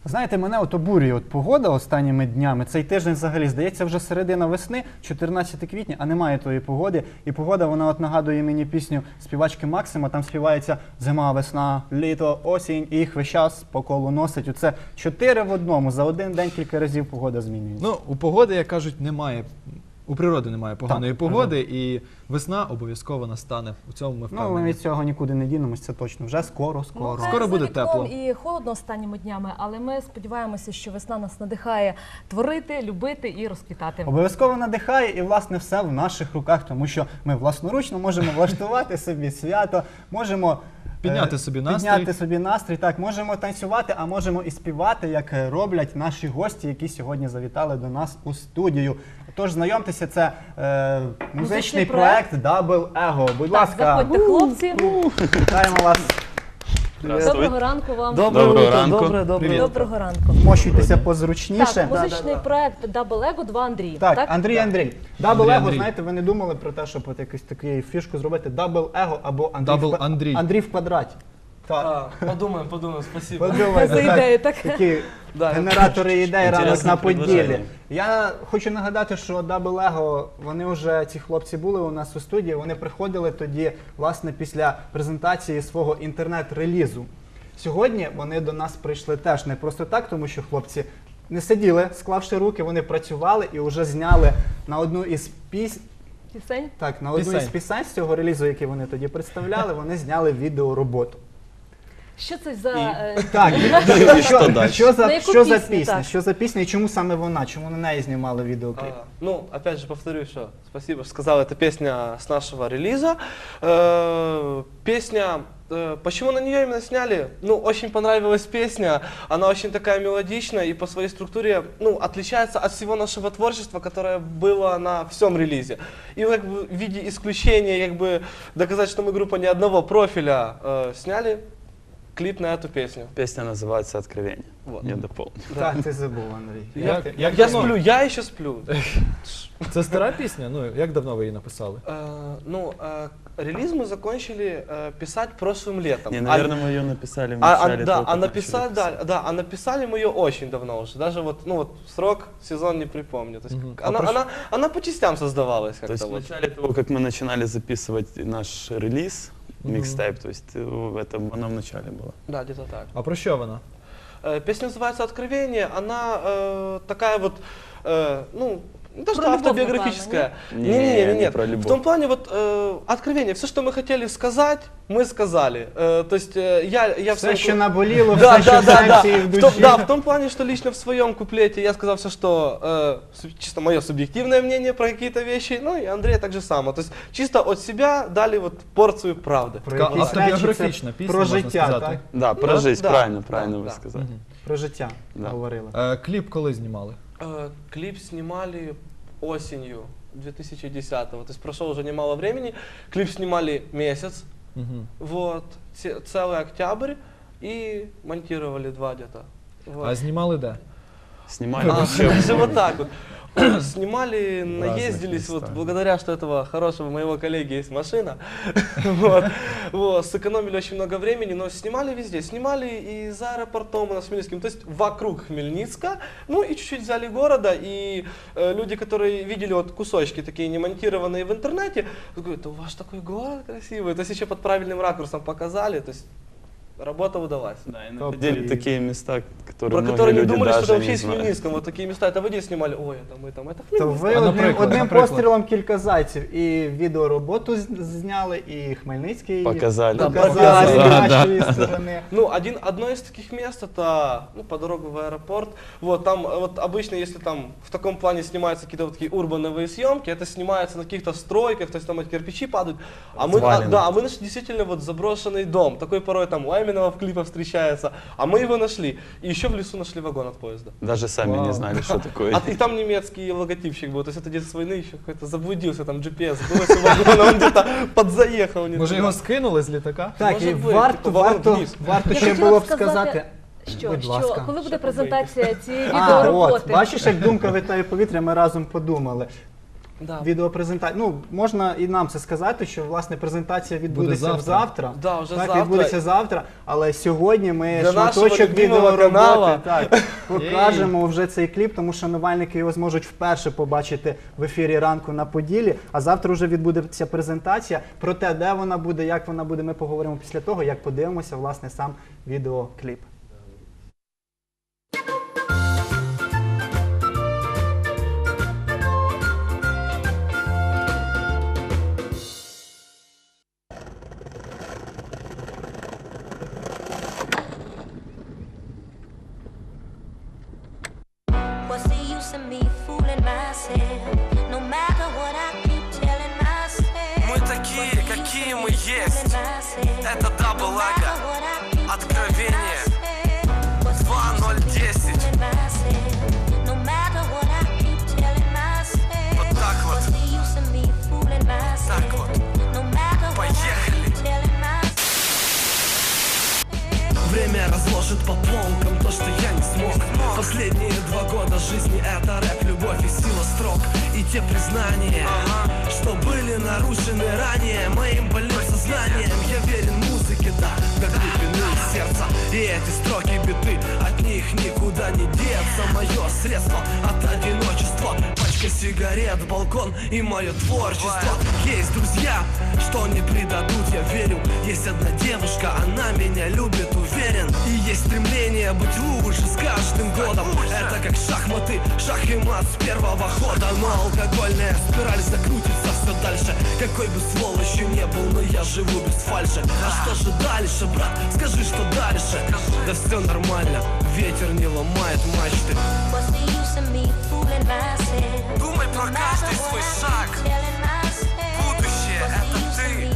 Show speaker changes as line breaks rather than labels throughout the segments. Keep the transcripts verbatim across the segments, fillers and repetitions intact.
Знаєте, мене от обурює от погода останніми днями. Цей тиждень взагалі, здається, вже середина весни, чотирнадцяте квітня, а немає тої погоди. І погода, вона от нагадує мені пісню співачки Максима, там співається зима, весна, літо, осінь, і їх весь час по колу носить. Оце чотири в одному, за один день кілька разів погода змінюється.
Ну, у погоди, як кажуть, немає, у природи немає поганої
Так,
погоди, і весна обов'язково настане. У цьому ми
Ну, ми
впевнені.
від цього нікуди не дінемось, це точно. Вже скоро, скоро.
Ну,
Скоро
за
буде
вікном
тепло.
І холодно останніми днями, але ми сподіваємося, що весна нас надихає творити, любити і розквітати.
Обов'язково надихає, і, власне, все в наших руках, тому що ми власноручно можемо влаштувати собі свято, можемо
Підняти
е,
собі настрій.
підняти собі настрій, так, можемо танцювати, а можемо і співати, як е, роблять наші гості, які сьогодні завітали до нас у студію. Тож, знайомтеся, це е, музичний,
Музичний
проект Double Ego. Будь
Так,
ласка,
заходьте, хлопці.
вітаємо вас.
Доброго ранку вам.
Доброго ранку.
Добре, добре.
Привіт.
Доброго ранку.
Мощуйтеся позручніше.
Так, музичний проект Double Ego, два Андрій.
Так, Андрій, Андрій. Double
Андрій,
Ego,
Андрій.
знаєте, ви не думали про те, щоб от якусь таку фішку зробити Double Ego або Андрій,
Double
в, ква-
Андрій.
Андрій в квадраті. Так.
А, подумаем, подумаем, спасибо.
Подумайте,
За
так.
ідею, так?
Такі
Да.
генератори ідей ранок
Інтересне
на поділі.
предложення.
Я хочу нагадати, що Double Ego, вони вже, ці хлопці були у нас у студії, вони приходили тоді, власне, після презентації свого інтернет-релізу. Сьогодні вони до нас прийшли теж не просто так, тому що хлопці не сиділи, склавши руки, вони працювали і вже зняли на одну із пісень,
Пісень?
так, на одну
Пісень.
із пісень з цього релізу, який вони тоді представляли, вони зняли відеороботу.
Що це за... е,
Так,
І що
що,
далі?
що за,
На яку
що за
пісню,
пісня?
так?
Що за пісня і чому саме вона? Чому на неї знімали відеокліп?
А, ну, опять же, повторю, что спасибо, что сказал, это песня с нашего релиза. Э, песня, э, почему на нее именно сняли? Ну, очень понравилась песня, она очень такая мелодичная и по своей структуре, ну, отличается от всего нашего творчества, которое было на всем релизе. И как бы в виде исключения, как бы доказать, что мы группа не одного профиля, э, сняли клип на эту песню.
Песня называется «Откровение».
Вот.
Я дополню.
Так, ти забув, Андрій.
Як,
Як ти-
як
Я
давно?
сплю, я еще сплю.
Це стара пісня? Ну, як давно ви її написали?
Э, Ну, э, релиз мы закончили э, писать прошлым летом.
Не,
А-
наверное, мы ее написали в
А, а,
начале
да,
того,
а
как
написали,
начали
да,
писать.
да, а написали мы ее очень давно уже. Даже вот, ну вот срок, сезон не припомню. То есть
Мгм. А
она,
прош-
она, она по частям создавалась
То
как-то
есть в
вот.
начале того, как мы начинали записывать наш релиз,
Мгм.
микстейп, то есть э, это оно в начале было.
Да, где-то так.
А про що вона?
Э, Песня называется «Откровение». Она э, такая вот, э, ну, не то, что
Про любовь,
автобиографическая.
Не,
Не-не-не,
не
нет.
про
В
любовь.
том плане вот э, откровение. Все, что мы хотели сказать, мы сказали. Э, то есть э, я, я в
Все,
своем
що
ку-
наболіло,
Да,
все, що
да,
в
да, да.
серці і в
В том,
душі.
да, в том плане, что лично в своем куплете я сказал все, что э, суб- чисто мое субъективное мнение про какие-то вещи, ну и Андрей так же само. То есть чисто от себя дали вот порцию правды.
Про
Така
якісь
автобіографічна
речі, це
пісня,
про
можна
життя,
сказати.
так?
Да, про
Ну,
жизнь,
да,
правильно,
да,
правильно
да.
вы сказали.
Мгм.
Про життя
Да.
говорили.
Е, кліп коли знімали?
Э, клип снимали осенью две тысячи десятого, то есть прошло уже немало времени. Клип снимали месяц,
Мгм.
вот, ce- целый октябрь и монтировали два где-то. Вот.
А знімали де?
Снимали
А,
вообще.
даже вот так вот. Снимали,
В разных
наездились, вот
местах.
благодаря, что этого хорошего моего коллеги есть машина. Вот. Вот, сэкономили очень много времени, но снимали везде. Снимали и за аэропортом у нас Хмельницким, то есть вокруг Хмельницка. Ну и чуть-чуть взяли города, и э, люди, которые видели вот кусочки такие не монтированные в интернете, говорят, да у вас такой город красивый. То есть еще под правильным ракурсом показали, то есть работа удалась.
Да, и
Топ
находили
и-
такие места, которые
Про
многие
которые не
люди
думали, что
даже
это вообще
не
есть в
знают.
Хмельницком. Вот такие места, это вы где снимали? Ой, это мы там, это
То
Хмельницк.
ви
А,
одним,
наприклад,
одним
наприклад?
пострілом кілька зайців. І відеороботу з- зняли, і Хмельницький
Показали.
Да,
показали
показали.
з
Да,
нашої сторони.
Ну, один, одно из таких мест это, ну, по дорогу в аэропорт. Вот там, э, вот обычно, если там в таком плане снимаются какие-то вот такие урбановые съемки, это снимается на каких-то стройках, то есть там эти кирпичи падают. А мы, а,
Развалины.
да, а мы нашли действительно вот заброшенный дом. Такой порой там у Эминема в клипах встречается. А мы его нашли. И еще в лесу нашли вагон от поезда.
Даже сами
Вау.
не знали, что такое.
А, и там немецкий логотипчик был. То есть это где-то с войны еще какой-то заблудился, там джи пі ес сбылось у вагона, он где-то подзаехал. не
Може
туда.
його скинули з літака?
Так,
Може
і
бути,
варто,
типу, вагон
варто,
вниз.
варто
Я
ще
хотіла
було б
сказати,
сказати.
Що,
Будь
що
ласка.
коли буде
Що
презентація цієї
А,
відеороботи?
от, бачиш, як думка витає повітря, ми разом подумали.
Да.
відеопрезентація. Ну, можна і нам це сказати, що власне презентація відбудеться
завтра.
завтра.
Да, вже
так,
завтра.
відбудеться завтра, але сьогодні ми
Для нашого
шматочок
любимого
відеороботи
канала.
так, покажемо вже цей кліп, тому шанувальники його зможуть вперше побачити в ефірі ранку на Поділі. А завтра вже відбудеться презентація. Про те, де вона буде, як вона буде, ми поговоримо після того, як подивимося власне сам відеокліп.
What's the use of me fooling myself? No matter what I keep telling myself.
Мы такие, какие мы есть. Это Double Ego. Откровение. два ноль десять.
No matter what I keep telling myself.
Вот так вот.
What's the use of me fooling myself?
Так вот.
No matter what I
Поехали.
keep telling myself.
Время разложит по полкам то, что я не смог. Последние два года жизни это рэп, любовь и сила строк. И те признания, что были нарушены ранее моим больным сознанием. Я верен музыке, да, до глубины сердца. И эти строки биты, от них никуда не деться. Мое средство от одиночества, пачка сигарет, балкон и мое творчество. Есть друзья, что не предадут, я верю. Есть одна девушка, она меня любит, уверен. И есть стремление быть лучше с каждым годом. Это как шахматы, шах и мат с первого хода. Но алкогольная спираль закрутится все дальше. Какой бы сволочью не был, но я живу без фальши. А что же дальше, брат? Скажи, что дальше? Да все нормально, ветер не ломает мачты.
What's the use of me fooling myself?
Думай про каждый свой шаг. Будущее — это ты.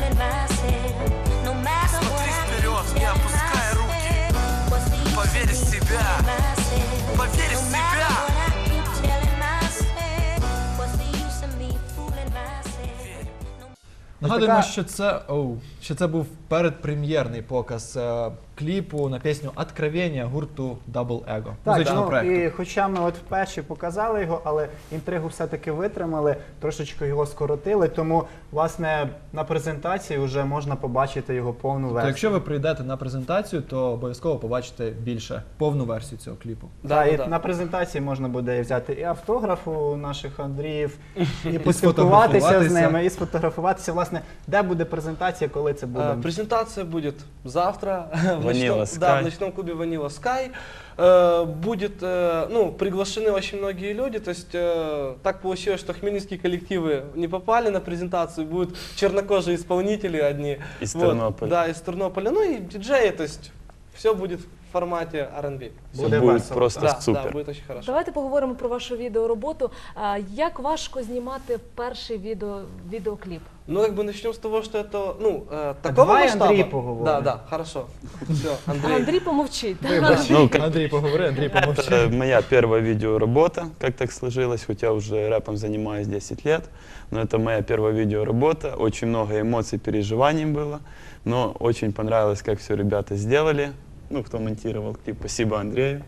Смотри вперед, не опускай руки. Поверь в себя. Поверь в себя.
Нагадуємо,
така-
що це, оу, що це був передпрем'єрний показ е, кліпу на пісню «Откровення» гурту Double Ego,
Так,
музичного
ну,
проекту.
і хоча ми от вперше показали його, але інтригу все-таки витримали, трошечки його скоротили, тому, власне, на презентації вже можна побачити його повну
То
версію.
якщо ви прийдете на презентацію, то обов'язково побачите більше повну версію цього кліпу.
Да, і
да.
на презентації можна буде взяти і автограф у наших Андріїв, і поспілкуватися
сфотографуватися.
з ними, і сфотографуватися. Власне, де буде презентація, коли це буде?
Э, Презентация будет завтра в
Vanilla
ночном,
Sky.
да, в ночном клубе Vanilla Sky. Э, Будет, э, ну, приглашены очень многие люди, то есть э, так получилось, что хмельницкие коллективы не попали на презентацию, будут чернокожие исполнители одни.
Из
Вот,
Тернополя.
Да, из Тернополя, ну и диджеи, то есть все будет в формате ар ен би.
Все
Буде
будет
весело.
просто
Да, да,
супер.
будет очень хорошо.
Давайте поговоримо про вашу відеороботу. А, Як важко знімати перший відео, відеокліп?
Ну, как бы начнем с того, что это, ну, э, такого
давай
масштаба.
Андрей поговорим.
Да, да, хорошо. Все, Андрей.
Андрій помовчить.
Ну, как-
Андрій, поговори, Андрій, помовчи.
Это моя первая видеоработа, как так сложилось, хоть я уже рэпом занимаюсь десять лет, но это моя первая видеоработа, очень много эмоций, переживаний было, но очень понравилось, как все ребята сделали, ну, кто монтировал клип, спасибо Андрею.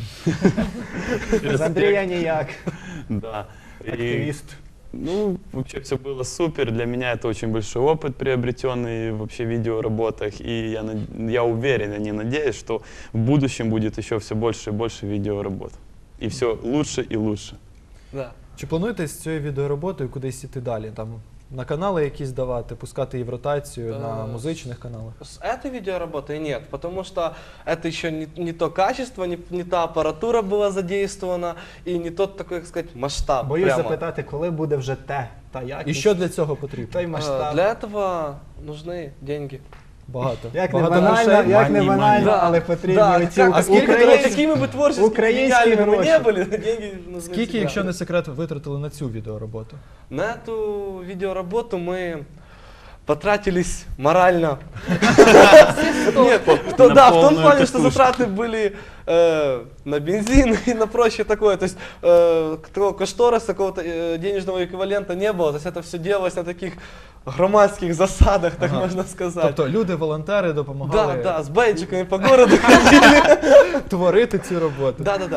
З Андрія ніяк,
Да. И,
активіст.
ну, вообще все было супер, для меня это очень большой опыт, приобретенный вообще в видеоработах, и я, над- я уверен, я не надеюсь, что в будущем будет еще все больше и больше видеоработ. И все лучше и лучше.
Да.
Чи плануєте з цією відеороботою кудись іти далі? Там на канали якісь давати, пускати її в ротацію на
Е,
музичних каналах?
С этой видеоработой нет, потому что это еще не, не то качество, не, не та аппаратура была задействована и не тот такой, как сказать, масштаб.
Боюсь
прямо.
запитати, коли буде вже те та
І
якість,
що для цього потрібно?
той
Э,
масштаб.
Для этого нужны деньги.
Багато.
Як не
Багато
банально,
грошей?
як не
Мані,
банально,
мані.
але потрібні
Да,
оці
как-
а скільки, до
українські-
речі,
какими бы творческими
українські
гениальными мы
гроші.
не были, деньги нужны
Скільки,
всегда.
якщо не секрет, витратили на цю відеороботу?
На эту видеоработу мы потратились морально. Нет, то-
На
да, в том
полную
плане, что
катушку.
затраты были э, на бензин и на прочее такое. То есть э, такого кошториса, какого-то э, денежного эквивалента не было. То есть это все делалось на таких громадских засадах, так
Ага.
можно сказать.
Тобто люди-волонтери
Да,
допомагали
да, с бейджиками по городу ходили.
творити ці роботи.
Да, да, да.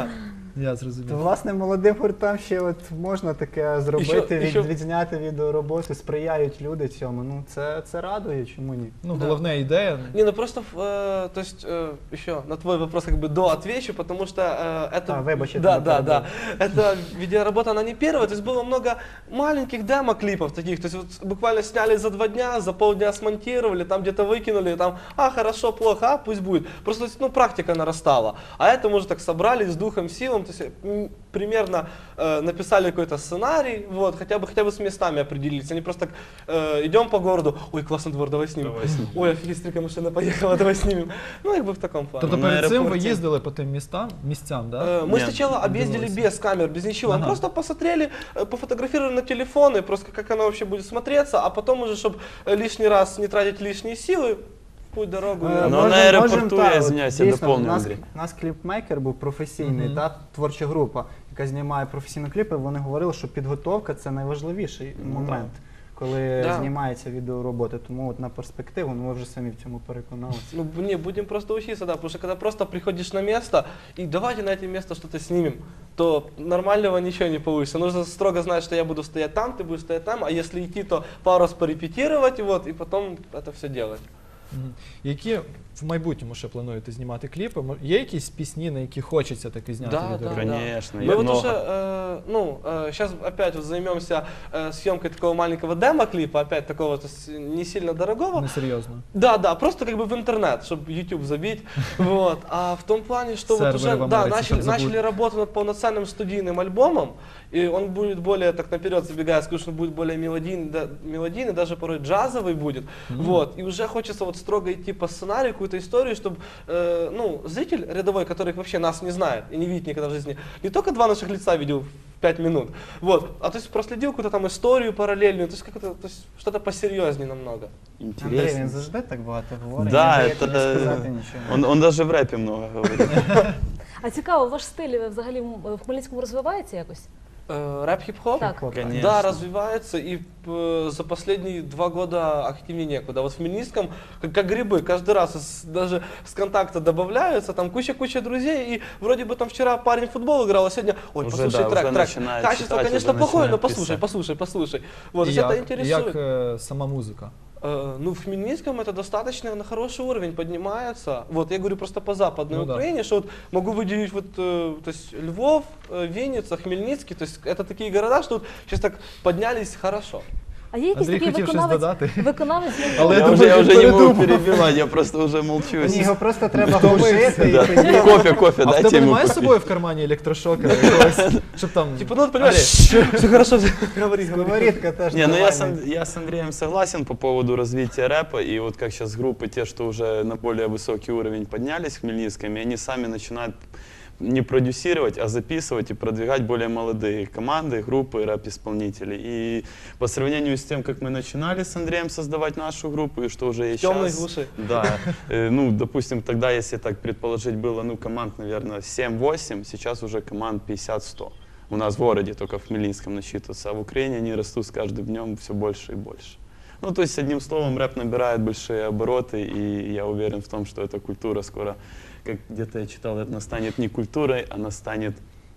Я
То,
зрозумів.
власне, молодим гуртам ще от можна таке зробити,
Іще-
від,
іще-
відзняти відеороботу, сприяють люди цьому. Ну, це, це радує, чому ні?
Ну,
Да.
головна ідея.
Не, ну просто, э, то есть, э, еще на твой вопрос как бы до отвечу, потому что э, это...
А, выбачь, это
да,
не
да, да.
перебил.
Эта видеоработа, она не первая, то есть было много маленьких демо-клипов таких, то есть вот буквально сняли за два дня, за полдня смонтировали, там где-то выкинули, там, а, хорошо, плохо, а, пусть будет. Просто, ну, практика нарастала. А это мы уже так собрались с духом, силом, то есть м, примерно э, написали какой-то сценарий, вот, хотя бы, хотя бы с местами определились, они просто так, э, идем по городу, ой, классный двор, давай снимем.
Давай снимем.
Ой, офигеть, стрика машина поехала, давай снимем. Ну, как бы в таком плане.
Тобто
Ну, на
перед цим ви
аеропорті-
їздили по тим містам, місцям, да?
Э, Мы
Нет,
сначала объездили
удалось.
без камер, без ничего.
Ага.
Просто посмотрели, э, пофотографировали на телефоны, просто как оно вообще будет смотреться, а потом уже, чтобы лишний раз не тратить лишние силы, в путь дорогу.
Е,
Ну, на аеропорту, я извиняюсь, я
дійсно,
доповню,
у нас,
Андрій.
у нас кліпмейкер був професійний,
Мгм.
та творча група, яка знімає професійні кліпи. Вони говорили, що підготовка це найважливіший
Ну,
момент, коли
Да.
знімається відеоробота. Тому от на перспективу, ну, ми вже самі в цьому переконалися.
Ну, не, будем просто учиться, да, потому что когда просто приходишь на место и давайте на это место что-то снимем, то нормального ничего не получится. Нужно строго знать, что я буду стоять там, ты будешь стоять там, а если идти, то пару раз порепетировать, вот, и потом это все делать.
Мгм. Які в майбутньому ще плануєте знімати кліпи? Мо- Є якісь пісні, на які хочеться таки зняти
Да,
відео?
да,
Конечно,
Мы
их
вот
много.
уже, э, ну, сейчас опять вот займемся э, съемкой такого маленького демо-клипа, опять такого то есть, не сильно дорогого.
Несерйозно.
Да, да, просто как бы в интернет, чтобы YouTube забить. Вот. А в том плане, что вот
Серверы
уже
в
да,
Америке
начали,
там забудут.
начали работу над полноценным студийным альбомом, и он будет более, так наперед забегая, скажу, что он будет более мелодийный, да, мелодийный, даже порой джазовый будет. Вот. И уже хочется вот строго идти по сценарию, какую-то историю, чтобы э, ну, зритель рядовой, который вообще нас не знает и не видит никогда в жизни, не только два наших лица видел в пять минут, вот, а то есть проследил какую-то там историю параллельную, то есть как-то, то есть что-то посерьезнее намного.
Андрій,
Интересно.
він завжди так багато говорить,
Да,
не даєте
это...
не сказати нічого.
Он, он даже в рэпе много говорит.
А цікаво, ваш стиль взагалі м- в Хмельницькому розвивається якось?
Э, рэп хип-хоп?
Так.
Конечно.
Да, развивается, и э, за последние два года активнее некуда. Вот в Хмельницком, как, как грибы, каждый раз из- даже с контакта добавляются, там куча-куча друзей, и вроде бы там вчера парень в футбол играл, а сегодня, ой,
Уже,
послушай
да,
трек,
уже
трек.
начинает
Качество,
читать,
конечно,
уже
плохое, но
начинает
послушай,
писать.
послушай, послушай. Вот,
І
то есть это
як,
интересует.
як е, сама музика?
Э, Ну, в Хмельницком это достаточно на хороший уровень поднимается. Вот, я говорю просто по Западной
Ну да.
Украине, что вот могу выделить вот, э, то есть Львов, э, Винница, Хмельницкий, то есть это такие города, что вот сейчас так поднялись хорошо.
А є якийсь
Андрій
такий
хотів щось
виконавець,
додати.
виконавець
Але
Я
я
уже, я
думаю,
уже не могу
передумав.
перебивать, я просто уже молчу.
Ні, його просто треба
Втомився,
глушити і
Да.
тоді.
Кофе, кофе,
А в
дайте
тебе
ему
немає з
купить.
собою в кармані електрошокера якогось, щоб там...
Типа, ну, вот, понимаешь,
Андрій,
все хорошо, говори, говори.
Сковорідка теж
Не, ну я с,
нормальний.
Ан- я с Андреем согласен по поводу развития рэпа, и вот как сейчас группы, те, что уже на более высокий уровень поднялись в Хмельницком, и они сами начинают не продюсировать, а записывать и продвигать более молодые команды, группы, рэп-исполнителей. И по сравнению с тем, как мы начинали с Андреем создавать нашу группу, и что уже и
Темной
сейчас...
глуши.
Да, э, ну, допустим, тогда, если так предположить, было, ну, команд, наверное, семь-восемь, сейчас уже команд пятьдесят-сто. У нас в городе только в Хмельницком насчитывается, а в Украине они растут с каждым днем все больше и больше. Ну, то есть, одним словом, рэп набирает большие обороты, и я уверен в том, что эта культура скоро, как где-то я читал, это станет не культурой, она станет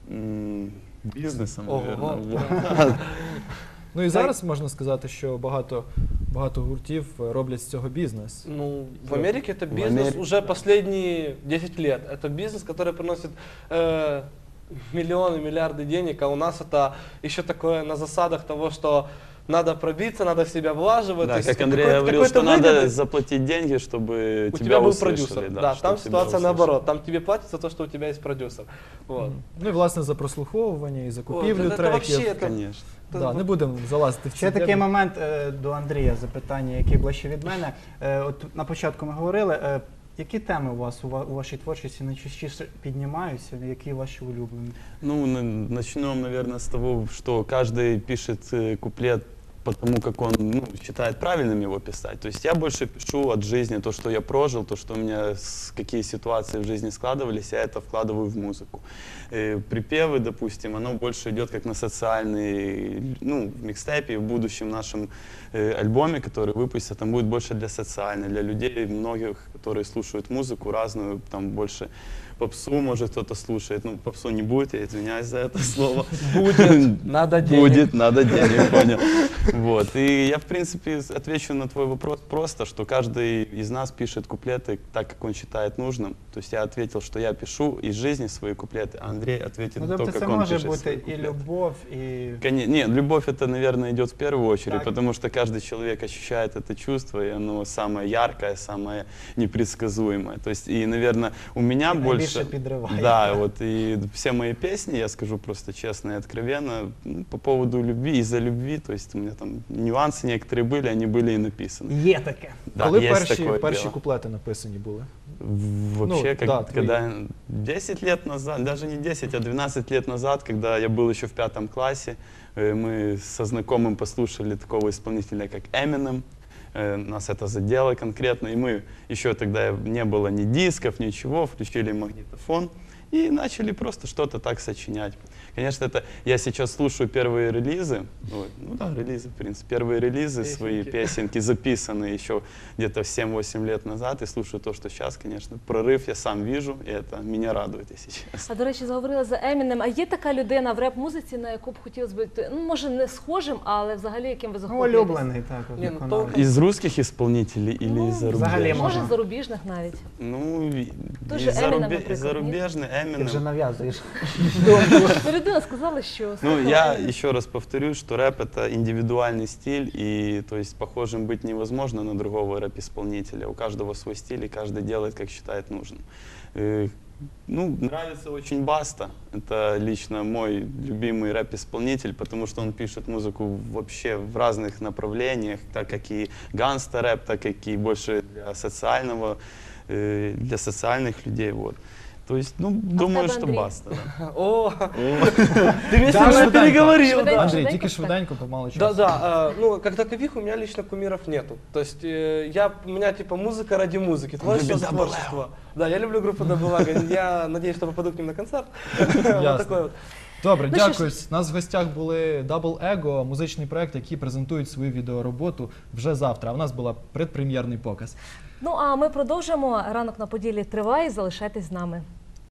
м, бизнесом,
Ого.
наверное. Вот.
Ну і зараз можна сказати, що багато, багато гуртів роблять з цього бізнес.
Ну, в Америке это
В
бизнес
Америке.
уже последние десять лет. Это бизнес, который приносит э, миллионы, миллиарды денег, а у нас это еще такое на засадах того, что надо пробиться, надо в себя влаживать.
Да,
то есть
как Андрей
какой-то-
говорил,
какой-то
что надо
выгоды.
заплатить деньги, чтобы
У
тебя,
тебя был
услышали,
продюсер. Да,
чтоб
там
тебя
ситуация
услышали.
наоборот. Там тебе платят за то, что у тебя есть продюсер. Вот.
Ну і власне за прослуховування, і
Вот,
закупівлю
это, это
треків.
вообще это,
Конечно.
Да, не будемо залазити в ці
Ще такий
теми.
момент е, до Андрія, запитання, яке ближче від мене. Е, От на початку ми говорили, е, які теми у вас у ва- у вашій творчості найчастіше піднімаються, які ваші улюблені?
Ну, на- начнем, наверное, с того, что каждый пишет э, куплет потому, как он ну, считает правильным его писать. То есть я больше пишу от жизни то, что я прожил, то, что у меня, с- какие ситуации в жизни складывались, я это вкладываю в музыку. Э, Припевы, допустим, оно больше идет как на социальный, ну, в микстепе, в будущем нашем э, альбоме, который выпустят, там будет больше для социальной, для людей, многих, которые слушают музыку разную, там больше попсу, может, кто-то слушает. Ну, попсу не будет, я извиняюсь за это слово.
Будет, надо денег.
Будет, надо денег, понял. Вот. И я, в принципе, отвечу на твой вопрос просто, что каждый из нас пишет куплеты так, как он считает нужным. То есть я ответил, что я пишу из жизни свои куплеты, а Андрей ответит
Ну,
на то,
тобто це
как он
може
пишет
бути
свои
і
куплеты.
любов, і
Коне- Нет, любовь это, наверное, идет в первую очередь,
Так.
потому что каждый человек ощущает это чувство, и оно самое яркое, самое непредсказуемое. То есть, и, наверное, у меня
І найбільше
больше...
підриває.
Да, вот и все мои песни, я скажу просто честно и откровенно, ну, по поводу любви, из-за любви, то есть у меня там нюансы некоторые были, они были и написаны.
є таке.
Да,
Коли
есть
перші,
такое
перші
дело.
куплети написані були?
В- Вообще,
Ну,
как-
да, твои.
когда десять лет назад, даже не десять, а двенадцать лет назад, когда я был еще в пятом классе, э, мы со знакомым послушали такого исполнителя, как Eminem. Э, Нас это задело конкретно, и мы еще тогда не было ни дисков, ничего, включили магнитофон и начали просто что-то так сочинять. Конечно, это я сейчас слушаю первые релизы, ой, ну да, релизы, в принципе, первые релизы, свои песенки записанные еще где-то семь-восемь лет назад, и слушаю то, что сейчас, конечно, прорыв я сам вижу, и это меня радует, если честно.
А до речі, заговорили за Емінем. А є така людина в реп-музиці, на яку б хотілося бути, ну може не схожим, але взагалі яким ви
Ну,
захоплюєтесь?
улюблений так. от
Ні, ну,
виконавець.
то-
Из русских исполнителей или
Ну,
из
взагалі
зарубежных?
Може,
можна.
зарубіжних навіть.
Ну, и-
Той
и
же Eminem,
зарубе-
например,
и зарубежный
Ти вже
Eminem.
нав'язуєш.
Ну, людина сказала, що...
Ну,
слухала
я
Eminem.
еще раз повторю, что рэп это индивидуальный стиль, и то есть похожим быть невозможно на другого рэп-исполнителя. У каждого свой стиль, и каждый делает, как считает нужным. Э, Ну, нравится очень Баста. Это лично мой любимый рэп-исполнитель, потому что он пишет музыку вообще в разных направлениях, так как и ганста-рэп, так как и больше для социального, э, для социальных людей. Вот. То есть, ну, думаю,
тебе,
что
Андрей?
Баста. Да.
О, ты меня
Да,
сильно
швиденько.
переговорил,
Швиденько.
да.
Андрій,
швиденько
тільки
так.
швиденько, помало часу.
Да, да, э, ну, как таковых у меня лично кумиров нету. То есть э, я, у меня типа музыка ради музыки, творчество за
Double L.
творчество. Да, я люблю группу Double L. Я надеюсь, что попаду к ним на концерт. Вот такой вот.
Добре,
Ну, що
дякую. У нас в гостях були Double Ego, музичний проект, який презентують свою відеороботу вже завтра. А в нас була предпрем'єрний показ.
Ну, а ми продовжимо. Ранок на Поділлі триває. Залишайтесь з нами.